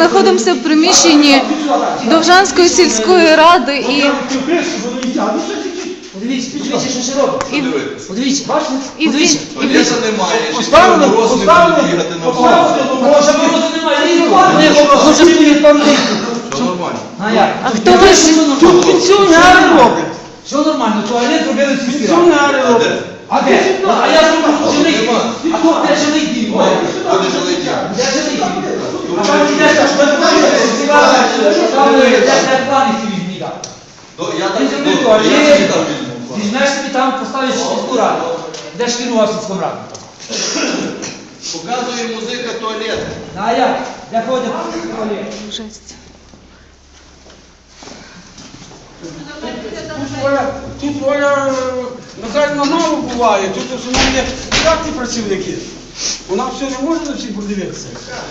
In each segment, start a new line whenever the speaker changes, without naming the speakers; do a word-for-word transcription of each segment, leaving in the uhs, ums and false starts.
знаходимося в приміщенні Довжанської сільської ради і
Подивіться, подивіться, що ще робить.
І-
Подивіться, бачите?
І
Подивіться.
Туалета немає, ще
Поставили,
мороз не буде
поставили,
бігати на
поставили,
вулиці.
Може, морозу немає, літо.
Вони може стоїть там літо.
Все нормально.
А як?
А хто ви ж?
Тут пенсіонери роблять.
Все нормально, туалет робили в сільській раді.
Пенсіонери роблять.
А де? А я зроблю жилий дім. А тут де жилий дім?
Буде жилий дім.
Де жилий дім? А там йдеш, аж ви там де плани ці візьмі дати.
Ну, Я так
Ти
ну,
зроби
я
туалет,
собі там візьму.
візьмеш собі там, поставиш сільську раду. Де ж керував сільському раду?
Показує музика туалет.
А як? Де ходять туалет?
Жесть.
Тут Оля, тут Оля, на жаль, мало буває, тут в основному є штатні працівники. Вона все не може на всіх подивитися.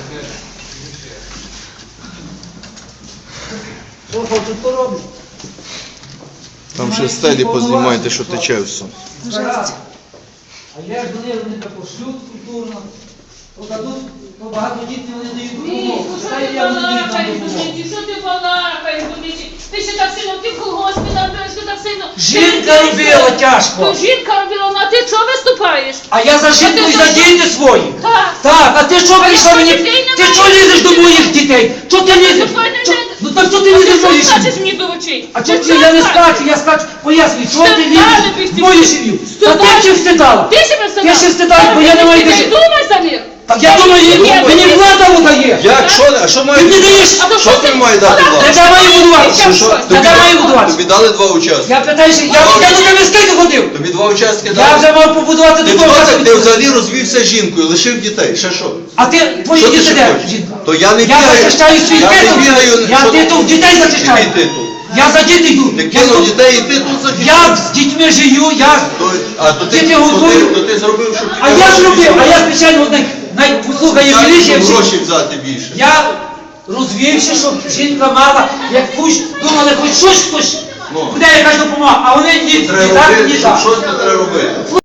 Що хочуть, то роблять.
Там ще стелі познімайте, що тече все.
Жесть. А я ж до них, вони так пошлють культурно. Подадуть, то багатодітні вони дають
Ні,
допомогу.
ну що
Читайте,
ти
я буду їм там
балакаєш,
допомогу.
Душеньки, що ти балакаєш, Душеньки? Ти ще так сильно, ти в колгоспі набереш, ти так сильно...
Жінка
Ти-
робила тяжко.
То жінка робила, ну а ти чого виступаєш?
А я за жінку і за діти свої.
Так.
Так, а ти що прийшла
що,
мені?
дітей немає?
Ти що лізеш до моїх дітей? Що ти лізеш?
твої не
Чо-
йде.
Ну так що ти
А
лізеш
ти
до моїх
що скачеш
сім'ї?
мені до очей?
А
Ти
чого ти?
що
Я не
скачеш?
скачу, я скачу. Пояснюй, що ти
Стидала
лізеш
би
в
ти
мою
всі.
сім'ю? Та
Стидала.
ти ще встидала.
Ти себе встидала.
Ти ще встидала, бо я не маю
Ти
де.
думай за них.
Так я думаю, мені влада дає.
Як? Що? А що має
Ти не даєш.
А то
Що ти має дати
Та
влада?
де маю будувати?
Що, що?
Та де маю будувати?
Тобі дали два участки.
Я питаюся, я, я до тебе скільки ходив?
Тобі два участки
Я
дали.
вже мав побудувати
Ти
до того
хто так? Ти
часу.
взагалі розвівся жінкою, лишив дітей. Ще що?
А ти, твої
Що ти
діти
ще
де,
хочеш?
жінка?
То я не
Я
бігаю.
захищаю свій
Я не
титул.
бігаю.
Я
Що ти-
титул дітей
Який
захищаю.
титул?
Я за дітей йду.
Ти
Я,
кинув
тут-
дітей і ти тут захищаєш.
я з дітьми живу, я...
То- А то ти,
Діти
то ти,
готують.
то ти зробив, щоб
А я зробив, а я спеціально одне, най, послухай,
Так,
міліція
щоб
всі.
гроші взяти більше.
Я розвівся, щоб жінка мала, як хоч, думали, хоч щось хтось,
Ну.
буде якась допомога, а вони ні, ні
Треба
так,
робити,
ні
щоб
так.
щось не треба робити.